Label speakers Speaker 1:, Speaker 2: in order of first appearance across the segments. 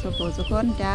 Speaker 1: สุขุสุขคนจ้า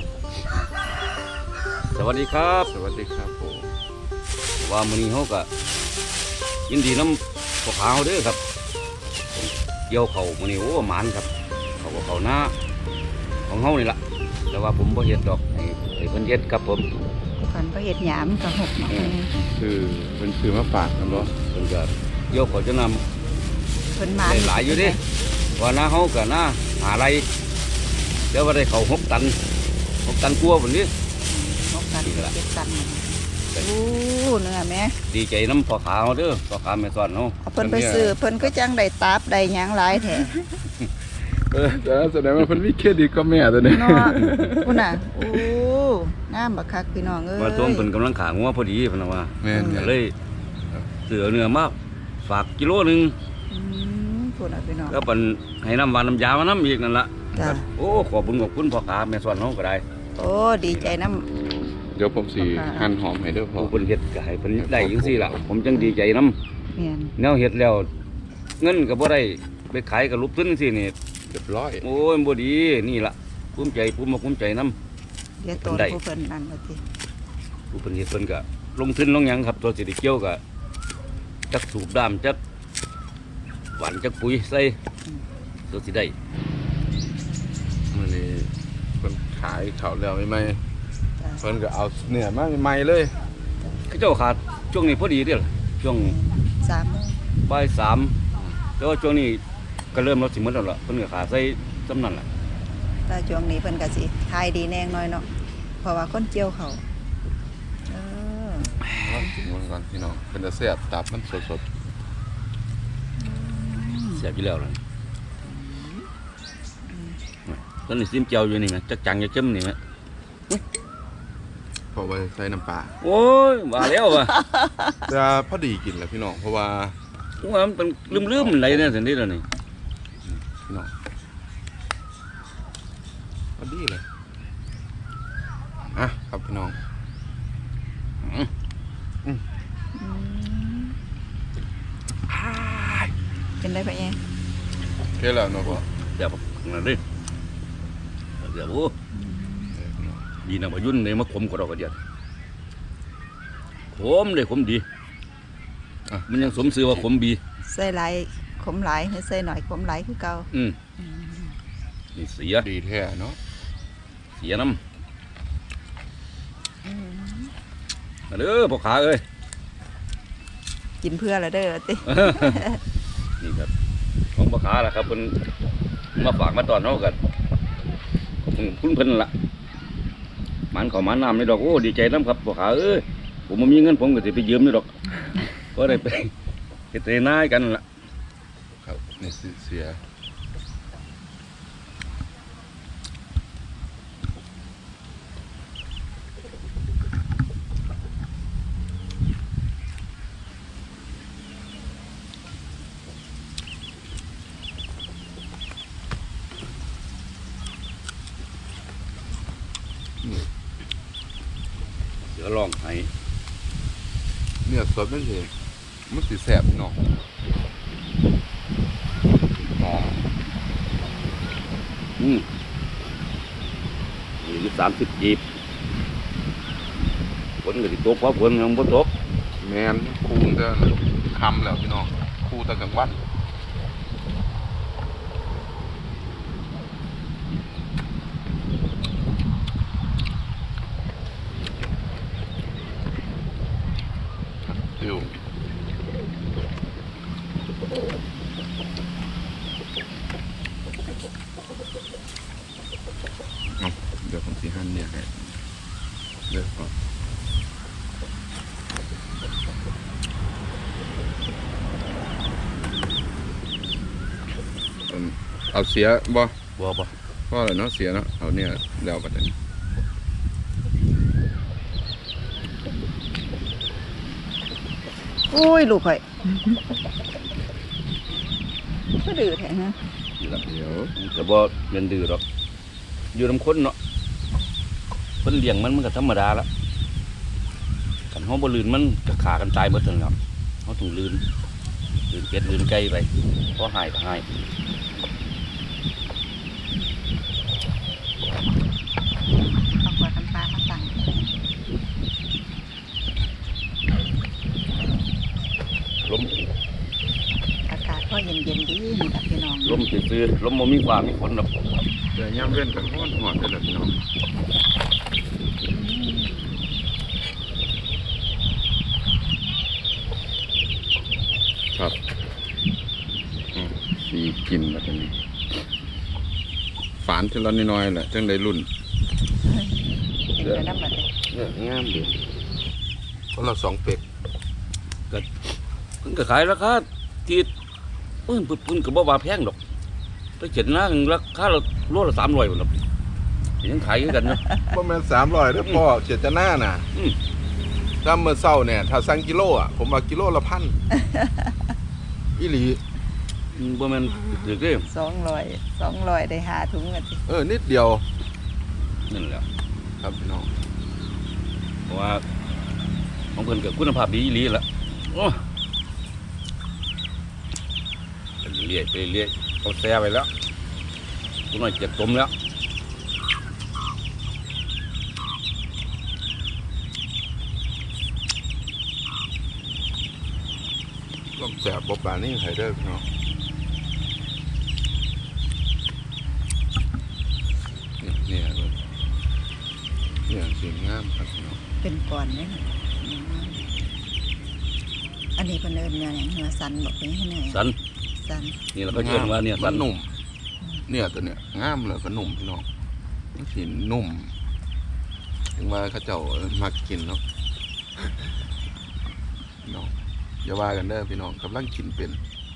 Speaker 2: สวัสดีครับ
Speaker 3: สวัสดีครับผม
Speaker 2: ว่ามื้อนี้เฮาก็ยินดีนำพวกเขาเด้อครับเกี่ยวเขามื้อนี้โอ้หมานครับเขาหน้าของเฮานี่ล่ะแต่ว่าผมบ่เฮ็ดดอกให้เพิ่นเฮ็ดครับผม
Speaker 1: ก่อนก็เห็ดหยามกับหกเนาะ
Speaker 3: คือเป็นคือมาฝากกันเนาะ
Speaker 2: เพิ่นก็เกี่ยวเขาจะนำ
Speaker 1: เพิ่นมา
Speaker 2: ได้หลายอยู่เด้ว่าหน้าเฮาก็หน้าหาไรเดี๋ยวว่าได้เขา6 ตัน6 ตันกว่าพุ่นนี้
Speaker 1: หกตันเจ็ดตันโอ้เนื้อแม่
Speaker 2: ดีใจนำพ่อขาเฮาเด้อพ่อขาแม่สอนเฮา
Speaker 1: เอาเพิ่นไปซื้อเพิ่นก็จังได้ตับได้หยังหลายแท้
Speaker 3: แต่แสดงว่าเพิ่นมีเครดิตก็แม่ตัวนี้
Speaker 1: เนาะพุ่นน่ะโอ้งามบักคักพี่น้องเอ้ย
Speaker 2: มาต้มเพิ่นกำลังขางัวพอดีเพิ่นว่า
Speaker 3: แม่น
Speaker 2: ก็เลยเสือเนื้อมาฝากกิโลหนึง
Speaker 1: พุ่นน่ะพี่น้อง
Speaker 2: แล้วเป็นให้น้ำหวานน้ำยามาน้ำอีกนั่นละ
Speaker 1: จ้ะ
Speaker 2: โอ้ขอบคุณพ่อขาแม่สอนน้องก็ได้
Speaker 1: โอ้ดีใจน้
Speaker 3: เดี๋ยวผมสิหั่นหอมให้เด้อพ่อ
Speaker 2: ผู้เพิ่นเฮ็ดก็ให้เพิ่นได้จังซี่ล่ะผมจังดีใจน้
Speaker 1: ำแม่น
Speaker 2: ำแนวเฮ็ดแล้วเงินก็บ่ได้ไปขายกับลุบทุนจังซี่นี่
Speaker 3: เรียบร้อย
Speaker 2: โอ้ยบ่ดีนี่ล่ะภูมิใจภูมิใจน้
Speaker 1: เดี๋ยวโตนผู้เพิ่นนั่นว่าติ
Speaker 2: ผู้เพิ่นเฮ็ดเพิ่นก็ลงทุนลงหยังครับตัวสิได้เกี่ยวก็จักสูบด้ามจักหวานจักปุ๋ยใส่ตัวสิได้
Speaker 3: มื้อนี้เพิ่นขายข้าวแล้วใหม่
Speaker 1: จ้ะ
Speaker 3: ๆเพิ่นก็เอาเนื้อมาใหม่ๆเลย
Speaker 2: เขาเจ้าขาดช่วงนี้พอดีเด้อล่ะช่วง
Speaker 1: 3 โมง
Speaker 2: บ่าย3แต่ว่าช่วงนี้ก็เริ่มลดสิหมดแล้วล่ะเพิ่นก็ขาใส่จำนั้นล่ะ
Speaker 1: แต่ช่วงนี้เพิ่นก็สิขายดีแน่น้อยเนาะเพราะว่าคนเกี่ยวเขาวเออ
Speaker 3: ลองกินมันก่อนพี่น้องเป็นจะแซ่บตับมันสด
Speaker 2: เสียบอยู่แล้วล่ะตอนนี้ซิมเจียวอยู่นี่แหมจักจังจะเข้มนี่แหม
Speaker 3: ๆเพราะว่าใส่น้ำปลา
Speaker 2: โอ้ยว่าแล้วว่ะ
Speaker 3: แต่พอดีกินแล้วพี่น้องเพราะว่า
Speaker 2: ว่ามันเป็นลืมๆอะไรเนี่ยสันนี้แล้วนี่
Speaker 3: พี่น้องพอดีเลยอ่ะครับพี่น้อง
Speaker 1: เป็นได้ปะเอง
Speaker 3: โอเคแล้วเนาะพ่อ
Speaker 2: เสียบนั่นดิเสียบโอ้
Speaker 3: พี่น้อง
Speaker 2: ดีนะว่ายุ่นเลยมาขมกว่าเราก็เดียดขมเลยขมดีมันยังสมชื่อว่าขมบี
Speaker 1: ใส่หลายขมหลายหรือใส่หน่อยขมหลายคือเก่า
Speaker 2: นี่เสีย
Speaker 3: ดีแท้เนาะ
Speaker 2: เสียน้ำมาเด้อพ่อขาเอ้ย
Speaker 1: กินเพื่อละเด้อติ
Speaker 2: นี่ครับของพ่อขาล่ะครับเพิ่นมาฝากมาตอนเฮากันขอบคุณเพิ่นล่ะมันเขามันน้ำนี่ดอกโอ้ดีใจน้ำครับพ่อขาเอ้ยผมบ่มีเงินผมก็สิไปยืมนี่ดอกก็ได้ไปเฮ็ดนาให้กันล่ะ
Speaker 3: ครับนี่เสีย
Speaker 2: เดี๋ยวลองให้
Speaker 3: เนื้อสดมันสิแซ่บเนาะหอม
Speaker 2: นี่30 จีบฝนก็สิตกเพราะฝนยังบ่ตก
Speaker 3: แมนคูนแต่คำแล้วพี่น้องคูแต่กลางวันฟิวเดี๋ยวผมสีหั่นเนี่ยให้เดี๋ยวก่อนเอาเสียบ่
Speaker 2: บ่
Speaker 3: พ่อเลยเนาะเสียเนาะเอาเนี่ยแล้วบัดนี้
Speaker 1: อุ้ยลูกข่อยก็ดื้อแท้ฮะ
Speaker 2: นี่ล่ะ
Speaker 3: เดี๋ยว
Speaker 2: ก็บ่แม่นดื้อดอกอยู่นำคนเนาะเพิ่นเลี้ยงมันก็ธรรมดาละคันเฮาบ่ลื่นมันก็ฆ่ากันตายหมดทั้งนั้นเฮาต้องลื่นเป็ดลื่นไก่ไปพอหายก็หาย
Speaker 1: มาตั้ง
Speaker 2: ลม
Speaker 1: อากาศก็เย็นๆดีนี่ครับพี่น้อง
Speaker 2: ลมซื่อๆลมบ่มีฟ้ามีฝนดอก
Speaker 3: แต่ย่ำเว้นกันห้อนหอดเลยพี่น้องครับสีกินแบบนี้ฝานทีละน้อยๆแหละจังได้รุ่น
Speaker 1: กินไปน้ำมันเลย
Speaker 3: เนี่ยงามดีคนละ2 เป็ก
Speaker 2: เพิ่นก็ขายราคาที่เพิ่นก็บ่ว่าแพงดอกไปเจ็ดนะราคาโลละ300พุ่นดอกยังขายคือกันนะ
Speaker 3: ประมาณ300เด้อพ่อเจตนาน่ะ
Speaker 2: อืม
Speaker 3: ถ้าเมื่อเช้าเนี่ยถ้าสั่งกิโลอ่ะผมว่ากิโลละ1,000อีหลี
Speaker 2: บ่แม่นถือเด้
Speaker 1: 200ได้5 ถุงกันสิ
Speaker 3: นิดเดียว
Speaker 2: นั่นแหละ
Speaker 3: ครับพี่น้อง
Speaker 2: เพราะว่าของเพิ่นก็คุณภาพดีอีหลีล่ะโอ้ไปเรื่อยๆไปเรื่อยๆเขาแซ่ไปแล้วกูน้อยเจ็บตมแล้ว
Speaker 3: ต้องแสบบบานี่ไฮเดอร์พี่น้องเนี่ยสีงามครับพี่น้อง
Speaker 1: เป็นก่อนเนี่ยอันนี้เป็นเอิญเนี่ยเนื้อสันบอกเป็นให้เนื้อ
Speaker 2: สัน
Speaker 1: สัน
Speaker 2: นี่เราก็เชื่อว่าเนี่ยสั
Speaker 3: มัน นนุ่มเนี่ยตัวเนี่ยงามเลยก็นุ่มพี่น้องมันสีนุ่มถึงว่าเขาเจ้ามักกินเนาะพี่น้องอย่าว่ากันเด้อพี่น้องกำลังกินเป็น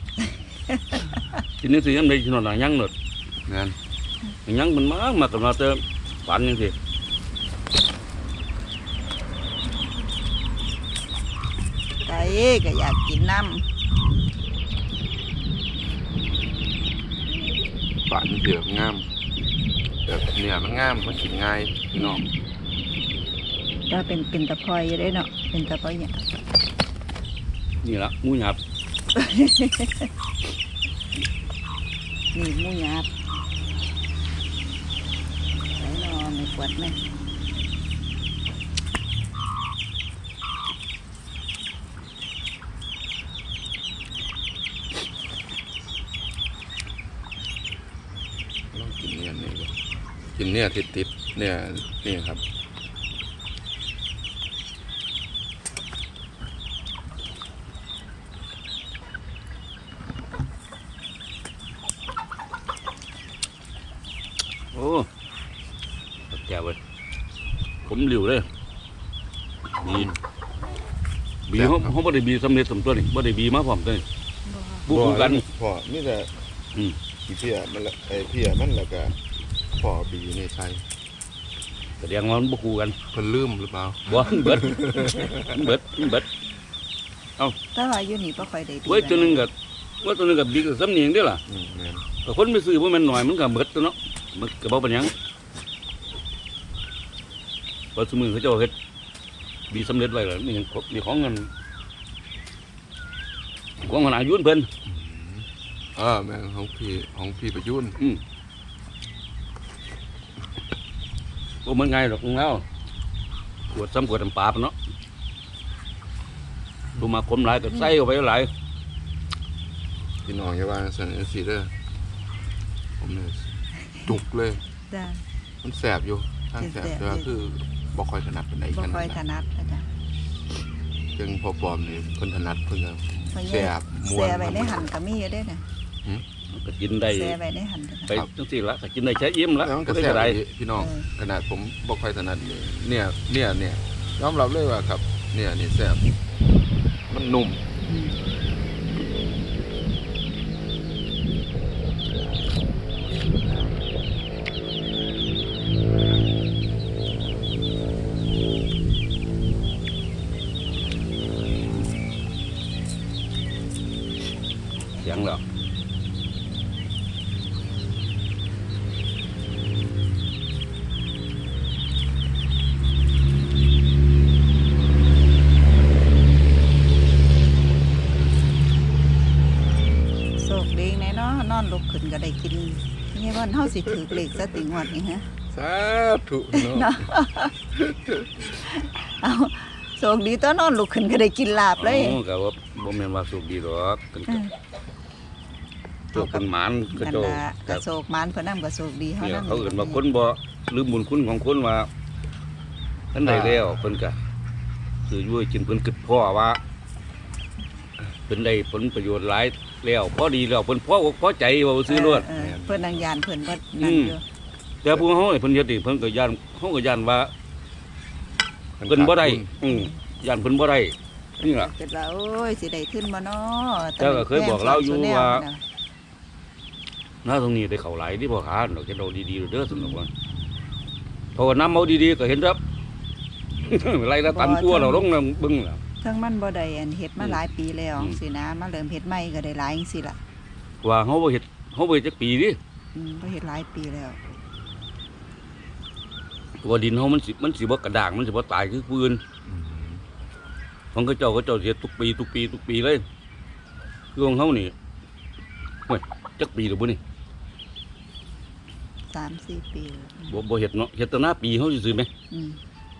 Speaker 2: ทีนี้สิยังได้ขนาดยังหนด
Speaker 3: งาน
Speaker 2: ยังมันมากับมาเติมฝันยังสิ
Speaker 1: ไก่ก็อยากกินน้
Speaker 3: ฝันเดือบงามแบบเนี่ยมันงามมันกินง่ายพี่น้อง
Speaker 1: ำก็เป็นตะพอยอยู่ได้เนาะเป็นตะพอยเนี่ย
Speaker 2: นี่ละหมูหยาบ
Speaker 1: นี่หมูหยาบใส่นอนในขวดไหม
Speaker 3: ต้องกินเนี่ยนี่ก็กินเนี่ยติดเนี่ยนี่ครับ
Speaker 2: โอ้แก่เว้ยผมหลิวเลยบีเขาบ่ได้บีสำเร็จสมตัวนี่บ่ได้บีมาพร้อมตัวนี่บุกคู่กัน
Speaker 3: พอนี่แต่
Speaker 2: อืม
Speaker 3: ขี้เพียมันละไอ้เพียมันแล้วก็พอบีในใส่
Speaker 2: แสดงว่ามันบุกคู่กัน
Speaker 3: เพิ่นลืมหรือเปล่า
Speaker 2: บ่มันเบิดมันเบิด
Speaker 1: ถ้าว่าอยู่นี่บ่ค่อยได้ดี
Speaker 2: เว้ยตัวหนึงก็ว่าตัวหนึงก็บีกับสำเนียงเด้อล่ะ
Speaker 3: แม่น
Speaker 2: แต่คนไปซื้อบ่แม่นหน่อยมันก็เบิดตัวเนาะมันก็บ่เป็นหยังเพราะสมือเขาเจ้าเฮ็ดบีสำเร็จไว้แล้วนี่นี่ของเงินของมันอายุเพิ่น
Speaker 3: แม่นของพี่ประยุน
Speaker 2: บ่เหมือนไงหรอกแล้วขวดซ้ำขวดน้ำปลาปะเนาะดูมาคมหลายก็ใส่เข้าไปหลาย
Speaker 3: พี่น้องอย่าว่าสั่นสิเด้อผมเนี่ยจุกเลย
Speaker 1: จ้ะ
Speaker 3: มันแสบอยู่ทางแสบแต่ว่าคือบ่ค่อยถนัดปานใด
Speaker 1: บ่
Speaker 3: กัน
Speaker 1: ค่อยถนัดอาจารย์
Speaker 3: จึงพอปลอมนี่เพิ่นถนัดเพิ่นก็
Speaker 1: เพราะ
Speaker 3: แส
Speaker 1: เนี่ย
Speaker 3: บม่ว
Speaker 1: แซ่
Speaker 3: น
Speaker 1: ไว้ในหั่นก็มีอยู่เด้อน่ะ
Speaker 2: มันก็กินได้
Speaker 1: แซ่ไว้ในหั่นก็
Speaker 2: ไปจังซี่ละก็กินได้ใช้อิ่มละ
Speaker 3: แล้วมันก็
Speaker 2: ได้
Speaker 3: แสบ
Speaker 2: ได้
Speaker 3: ดีพี่น้องขนาดผมบ่ค่อยถนัดเลยเนี่ยยอมรับเลยว่าครับเนี่ยนี่แสบมันนุ่ม
Speaker 1: อืม
Speaker 2: เสียงแล้ว
Speaker 1: โชคดีแน่เนาะนอนลุกขึ้นก็ได้กินนี่ว่าเฮาสิถือเลขสติงวดนี่ฮะ
Speaker 3: สาธุเนาะ
Speaker 1: เอาโชคดีตอนนอนลุกขึ้นก็ได้กินลาบเลย
Speaker 2: อ๋อก็ว่าบ่แม่นว่าสุขดีหรอกกัน
Speaker 1: อื
Speaker 2: ก็
Speaker 1: ม
Speaker 2: ตัวคนหมานก็
Speaker 1: นั่น
Speaker 2: เจ้า
Speaker 1: ล่ะก็โชคหมานเพิ่นนำก็โชคดีเฮา
Speaker 2: เนี่ย
Speaker 1: นำ
Speaker 2: เขาเอิ้นว่าคนบ่ลืมบุญคุณของคนว่าเพิ่นได้แล้วเพิ่นก็คืออยู่ให้กินเพิ่นคิดพ่อว่าเพิ่นได้ผลประโยชน์หลายแล้วพอดีแล้วเพิ่นพอใจว่าซื้อรถ
Speaker 1: เพิ่นนางยานเพิ่นบ่นั่นอยู่
Speaker 2: แต่ผู้เฮานี่เพิ่นเฮ็ดนี่เพิ่นก็ย่านเฮาก็ย่านว่าเพิ่นบ่ได้ย่านเพิ่นบ่ได้นี่ล่ะ
Speaker 1: เกิดว่าโอ้ยสิได้ขึ้นบ่น้อ
Speaker 2: แต่ก็เคยบอกเราอยู่ว่า
Speaker 1: น่ะ
Speaker 2: หน้าตรงนี้ได้เข้าหลายที่พ่อค้าดอกจะเอาดีๆเด้อสนุกว่าเพราะว่าน้ำเอาดีๆก็เห็นครับ ไรละตันตัวเราลงน้ำบึ้งแล้ว
Speaker 1: เทิงมันบ่ได้อันเฮ็ดมา
Speaker 2: อืม
Speaker 1: หลายปีแล้ว
Speaker 2: อืม
Speaker 1: สินะมาเริ่มเฮ็ดใหม่ก็ได้หลายจังซี่ล่ะ
Speaker 2: ว่าเฮาบ่เฮ็ดจักปีดิ
Speaker 1: บ่เฮ็ดหลายปีแล้ว
Speaker 2: ว่าดินเฮามันสิบ่กระด้างมันสิบ่ตายคือปืน
Speaker 3: อืม
Speaker 2: ของเขาเจ้าเฮ็ดทุกปีเลยคือของเฮานี่โอ้ยจักปีแล้วบ่นี่
Speaker 1: 3-4 ปีแล้ว
Speaker 2: บ่เฮ็ดเนาะเฮ็ดแตั้งหน้าปีเฮาซื่อๆไหม
Speaker 1: อืม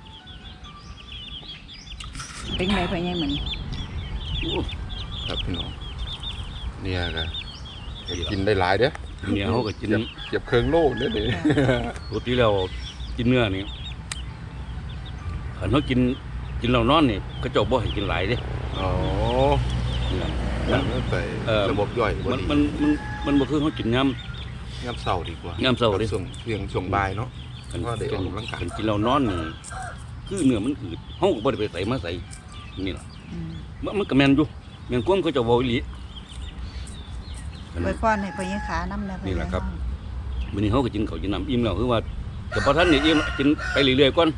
Speaker 1: เป็นไงพ่อใหญ่มื้อนี้
Speaker 2: โอ้
Speaker 3: ครับพี่น้องเนี่ยก็กินได้หลายเด้อ
Speaker 2: เนี่ยเฮาก็กิน
Speaker 3: เก็บเครื่องโล่เด้อเด้
Speaker 2: ปกติแล้วกินเนื้อนี่คันเฮากินเหล้านอนนี่เขาเจ้าบ่ให้กินหลายเด้
Speaker 3: อ๋อ
Speaker 2: เนื้อ
Speaker 3: แล้วแต่ ระบบย่อยบ่
Speaker 2: มัน
Speaker 3: ดี
Speaker 2: มันบ่คือเฮากินยาม
Speaker 3: ยามเช้าดีกว่าย
Speaker 2: ามเช้าดิ
Speaker 3: ช่วงบ่ายเนาะ
Speaker 2: กัน
Speaker 3: ว่าได้ออกกำลังกาย
Speaker 2: กินเรานอนนี่คือเนื้อมันอืดเฮาก็บ่ได้ไปใส่มาใส่นี่ล่ะ
Speaker 1: อืม
Speaker 2: มันก็แม่นอยู่แม่นความเขาเจะเว้าอีหลี
Speaker 1: ไว้พรให้พ่อใหญ่ขานำนะพ่อ
Speaker 2: นี่
Speaker 1: ให
Speaker 2: แห
Speaker 1: ญ่
Speaker 2: ละครับ มื้อนี้เฮาก็กินข้าวกินน้ำอิ่มแล้วคือว่าแต่พอท่านนี่อิ่มกินไปเรื่อยๆก่อน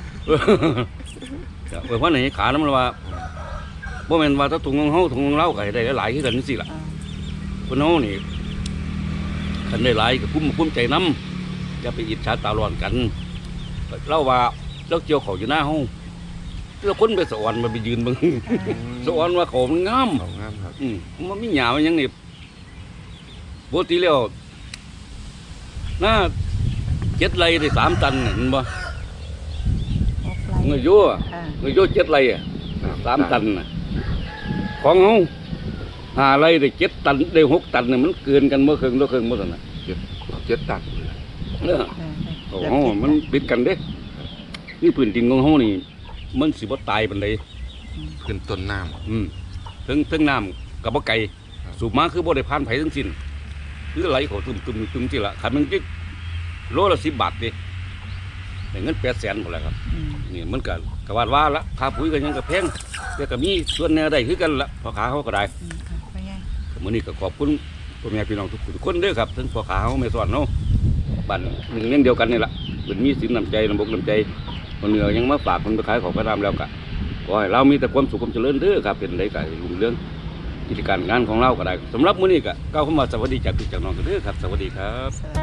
Speaker 2: ก็ไว้พรให้ขานํว่าบ่แม่นว่าถ้าถุงของเฮาถุงของเราก็ให้ได้หลายๆคือกันจังซี่ล่ะ
Speaker 1: อ่า
Speaker 2: เพิ่นเฮานี่คันได้หลายก็ภูมิใจนํอย่าไปอิจฉาตาร้อนกันเราว่าเราเกี่ยวข้าวอยู่หน้าเฮาแล้วคนไปสวรรค์มาไปยืนเบิ่ง สวรรค์ว่าเขามันงาม
Speaker 3: เอางามครับ
Speaker 2: มันมีหยามันหยังนี่ปกติแล้วน่า7 ไร่ได้3 ตันน่ะเห็นบ่
Speaker 1: ออกไล
Speaker 2: เงย
Speaker 1: น์
Speaker 2: โย
Speaker 1: อ่า
Speaker 2: เงยโย7 ไร่อ่ะ3 ตันน่ะของเฮา5 ไร่ได้7 ตันได้6 ตันน่ะมันเกินกันบ่ครึ่งต่อครึ่งบ่ซั่นน่ะ
Speaker 3: เจ็ดตันเลย
Speaker 2: เออ โอ้โหมันปิดกันเด้นี่พื้นดินของเฮานี่ มันสิบ่ตายปานใด
Speaker 3: ขึ้นต้นน้ำ
Speaker 2: ถึงน้ำก็บ่ไกล
Speaker 3: ครับ
Speaker 2: สูบมาคือบ่ได้ผ่านไผทั้งสิ้นคือไหลเข้าตึมสิล่ะคันมันจิโลละ10 บาทเด้ได้เงิน800,000พุ่นแหละครับ
Speaker 1: อืม
Speaker 2: นี่มันก็ว่าละค่าปุ๋ยก็ยังก็แพงแต่ก็มีส่วนแหน่ได้คือกันละพ่อค้าเฮาก็ได้
Speaker 1: อืมค่ะพ่อใหญ่
Speaker 2: มื้อนี้ก็ขอบคุณพ่อแม่พี่น้องทุกคนเด้อครับทั้งพ่อค้าเฮาแม่สอนเฮาบ้านหนึ่งเลี้ยงเดียวกันนี่ล่ะเพิ่นมีสินน้ำใจน้ำบกน้ำใจคนเหนือยังมาฝากคนไปขายของกระดามแล้วก็ขอให้เรามีแต่ความสุขความเจริญเด้อครับเป็นไรก็รุ่งเรื่องกิจการงานของเราก็ได้สำหรับมื้อนี้ก็ก้าวเข้ามาสวัสดีจากพี่จากน้องกันเด้อครับสวัสดีครับ
Speaker 1: สวัส